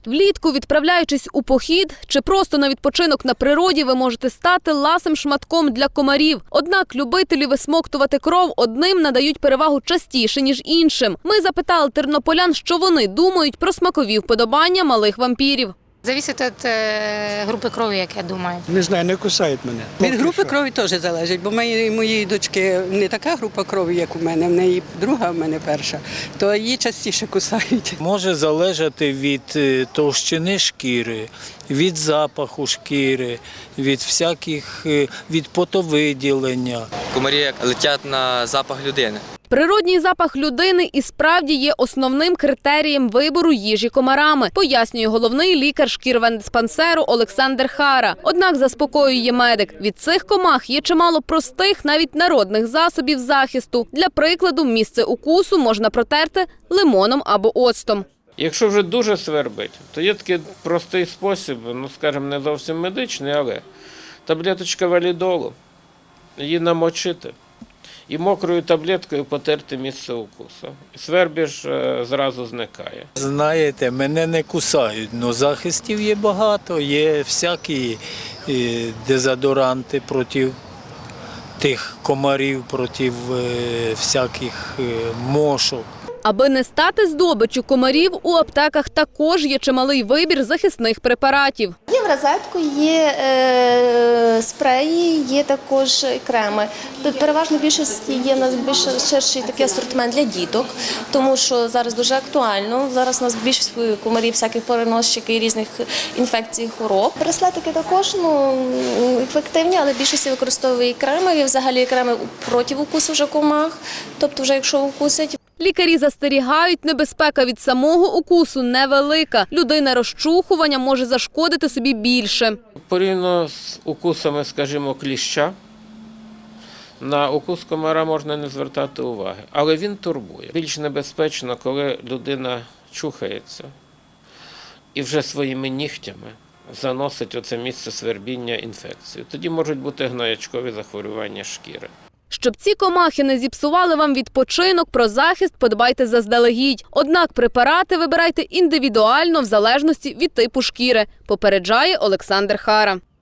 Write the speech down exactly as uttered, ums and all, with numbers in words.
Влітку, відправляючись у похід чи просто на відпочинок на природі, ви можете стати ласим шматком для комарів. Однак любителі висмоктувати кров одним надають перевагу частіше, ніж іншим. Ми запитали тернополян, що вони думають про смакові вподобання малих вампірів. Залежить від е, групи крові, як я думаю. Не знаю, не кусають мене. Від групи крові теж залежить, бо моєї моєї дочки не така група крові, як у мене, в неї друга, в мене перша, то її частіше кусають. Може залежати від товщини шкіри, від запаху шкіри, від всяких, від потовиділення. Комарі летять на запах людини. Природній запах людини і справді є основним критерієм вибору їжі комарами, пояснює головний лікар шкірвендиспансеру Олександр Хара. Однак заспокоює медик, від цих комах є чимало простих, навіть народних засобів захисту. Для прикладу, місце укусу можна протерти лимоном або оцтом. Якщо вже дуже свербить, то є такий простий спосіб, ну скажімо, не зовсім медичний, але таблеточка валідолу, її намочити і мокрою таблеткою потерти місце укусу. Свербіж зразу зникає. Знаєте, мене не кусають, але захистів є багато, є всякі дезодоранти проти тих комарів, проти всяких мошок. Аби не стати здобиччю комарів, у аптеках також є чималий вибір захисних препаратів. Є в розетку, є е, спреї, є також креми. Тут переважно більшості є в нас більш ширший такий асортимент для діток, тому що зараз дуже актуально. Зараз у нас більшість комарів, всяких переносчиків і різних інфекцій, хвороб. Браслетики також ну, ефективні, але більшість використовує креми, і взагалі креми проти укусу вже комах, тобто вже якщо укусять. Лікарі застерігають, небезпека від самого укусу невелика. Людина розчухування може зашкодити собі більше. Порівняно з укусами, скажімо, кліща, на укус комара можна не звертати уваги, але він турбує. Більш небезпечно, коли людина чухається і вже своїми нігтями заносить оце місце свербіння інфекцію. Тоді можуть бути гноячкові захворювання шкіри. Щоб ці комахи не зіпсували вам відпочинок, про захист подбайте заздалегідь. Однак препарати вибирайте індивідуально в залежності від типу шкіри, попереджає Олександр Хара.